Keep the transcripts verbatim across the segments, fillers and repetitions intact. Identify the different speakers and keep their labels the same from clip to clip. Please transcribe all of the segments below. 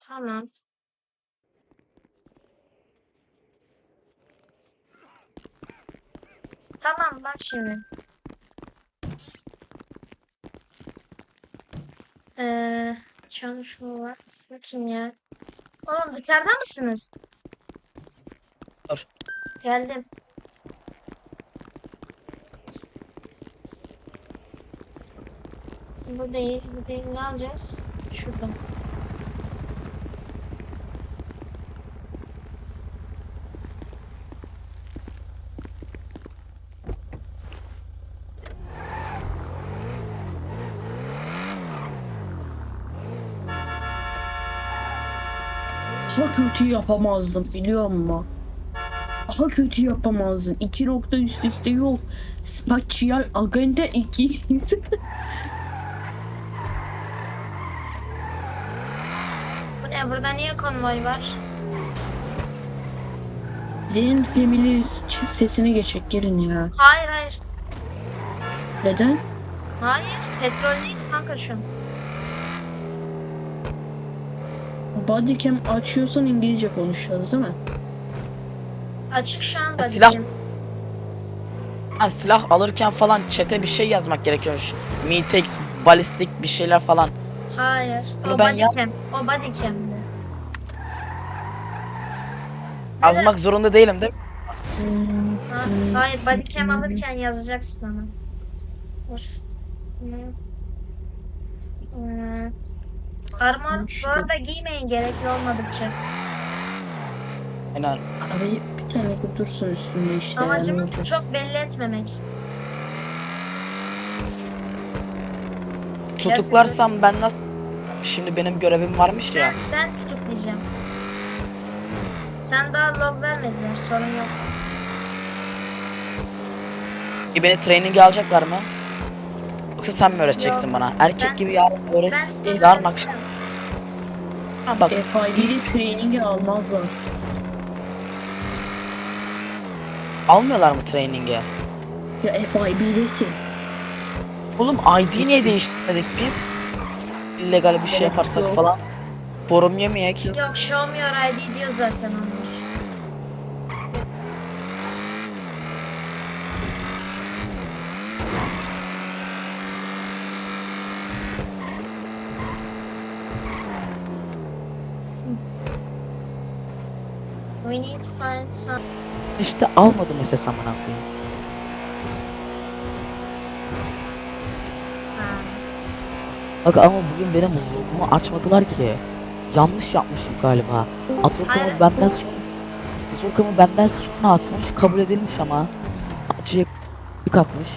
Speaker 1: Tamam. Tamam bak şimdi. Ee, çalışma var. Bakayım ya. Oğlum dışarıda mısınız?
Speaker 2: Dur.
Speaker 1: Geldim. Bu değil, bu değil. Ne alacağız? Şuradan.
Speaker 3: Daha kötü yapamazdım biliyor musun? Daha kötü yapamazdım. İki nokta üst üste yok. Spatial Agenda iki.
Speaker 1: Bu ne? Burada niye konvoy var?
Speaker 3: Zeyn Family sesini geçecek gelin ya.
Speaker 1: Hayır hayır.
Speaker 3: Neden?
Speaker 1: Hayır. Petroldeyiz kanka şu an.
Speaker 3: Bodycam açıyorsan İngilizce konuşacağız değil mi?
Speaker 1: Açık şu an.
Speaker 2: Ha, silah.
Speaker 1: bakayım.
Speaker 2: Ha, silah alırken falan chat'e bir şey yazmak gerekiyormuş. Mitex, balistik bir şeyler falan.
Speaker 1: Hayır.
Speaker 2: Bunu
Speaker 1: O
Speaker 2: ben ya-
Speaker 1: bodycam. O bodycam'di.
Speaker 2: Yazmak zorunda değilim değil mi?
Speaker 3: Hmm,
Speaker 1: Ha,
Speaker 3: hmm,
Speaker 1: hayır bodycam
Speaker 3: hmm.
Speaker 1: alırken yazacaksın ama. Dur. Hmm. Hmm. Armor bu
Speaker 3: Şurada.
Speaker 1: arada giymeyin gerekli olmadıkça.
Speaker 2: Aynen.
Speaker 3: Abi bir tane dursun üstünde işte.
Speaker 1: Amacımız
Speaker 3: yani.
Speaker 1: çok belli etmemek.
Speaker 2: Tutuklarsam ben nasıl... Şimdi benim görevim varmış ya.
Speaker 1: Ben, ben tutuklayacağım. Sen daha log vermediler sorun yok.
Speaker 2: E, beni training'e alacaklar mı? Yoksa sen mi öğreteceksin
Speaker 1: Yok.
Speaker 2: bana? Erkek
Speaker 1: Ben-
Speaker 2: gibi yarın öğret.
Speaker 1: Ben size
Speaker 2: Yarın akşam.
Speaker 1: öğreteceğim.
Speaker 2: Ha bak.
Speaker 3: F I B'de training'i almazlar.
Speaker 2: Almıyorlar mı training'e?
Speaker 3: Ya F I B'desin.
Speaker 2: Oğlum I D niye değiştirmedik biz? İllegal bir şey yaparsak
Speaker 3: Yok.
Speaker 2: falan. Borum yemeyek.
Speaker 1: Yok show me your I D diyor zaten onlar. We need to find some...
Speaker 4: İşte almadım S S amına koyayım.
Speaker 1: Ha.
Speaker 4: Bak ama bugün benim huzurluğumu açmadılar ki. Yanlış yapmışım galiba. Azorkamı
Speaker 1: Hayır.
Speaker 4: benden sonra Azorkamı benden sonra atmış, kabul edilmiş ama acıya yük atmış.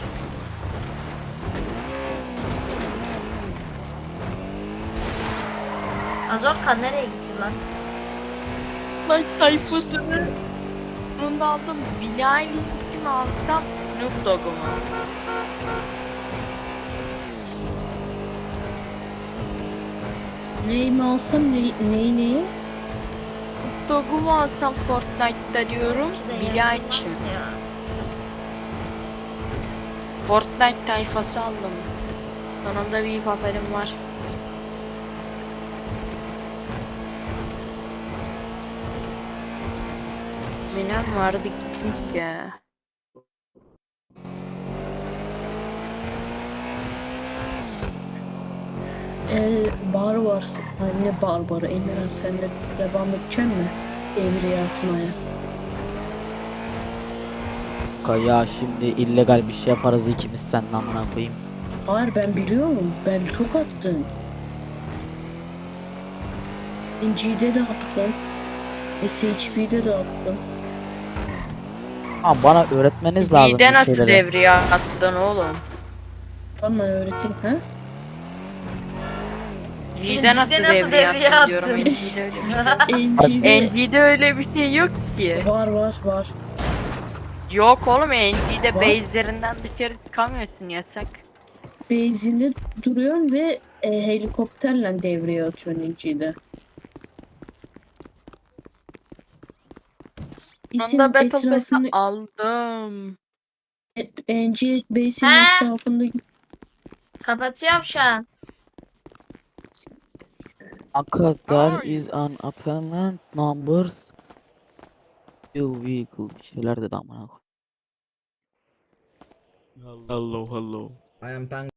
Speaker 1: Azorka nereye gitti lan?
Speaker 5: Lan sayfasını sonunda aldım. Billie Eilish'in alsam Snoop Dogg'u mu?
Speaker 3: Neyi mi alsam ne, neyi neyi?
Speaker 5: Snoop Dogg'u mu alsam Fortnite'da diyorum.
Speaker 1: Bir de
Speaker 5: Billie
Speaker 1: yazılmaz
Speaker 5: Eilish'im.
Speaker 1: ya.
Speaker 5: Fortnite tayfası aldım. Sonunda bir haberim var. Benim vardı gitmiş ya.
Speaker 3: Ee, bar var. Ay, ne bar barı? Emirhan sen de devam edecek mi? Devriye atmaya.
Speaker 4: Ya şimdi illegal bir şey yaparız ikimiz seninle amına koyayım.
Speaker 3: Hayır ben biliyorum. Ben çok attım. N G'de de attım. S H P'de de attım.
Speaker 4: Ama bana öğretmeniz lazım
Speaker 5: Bizde
Speaker 4: bir
Speaker 5: nasıl
Speaker 4: şeyleri.
Speaker 5: devreye attın oğlum?
Speaker 3: Tamam ben öğreteyim ha?
Speaker 5: Bizde nasıl
Speaker 1: Bizde nasıl
Speaker 5: devreye
Speaker 1: devreye
Speaker 5: attın diyorum.
Speaker 1: attın?
Speaker 5: N G'de öyle bir şey.
Speaker 3: N G'de
Speaker 5: N G'de öyle bir şey yok ki.
Speaker 3: var var var.
Speaker 5: Yok oğlum N G'de
Speaker 3: Var.
Speaker 5: base'lerinden dışarı çıkamıyorsun yasak.
Speaker 3: Base'inde duruyorsun ve e, helikopterle devreye atıyorsun N G'de. İsim
Speaker 5: Sonunda Battle Pass'i
Speaker 3: etrafında
Speaker 5: aldım.
Speaker 3: N G base'in
Speaker 1: He?
Speaker 3: etrafında
Speaker 1: Kapatıyorum şu an.
Speaker 4: Kanka there is an apparent numbers. You vehicle bir şeyler dedi amına koyayım.
Speaker 6: Hello, hello.
Speaker 7: I am Tang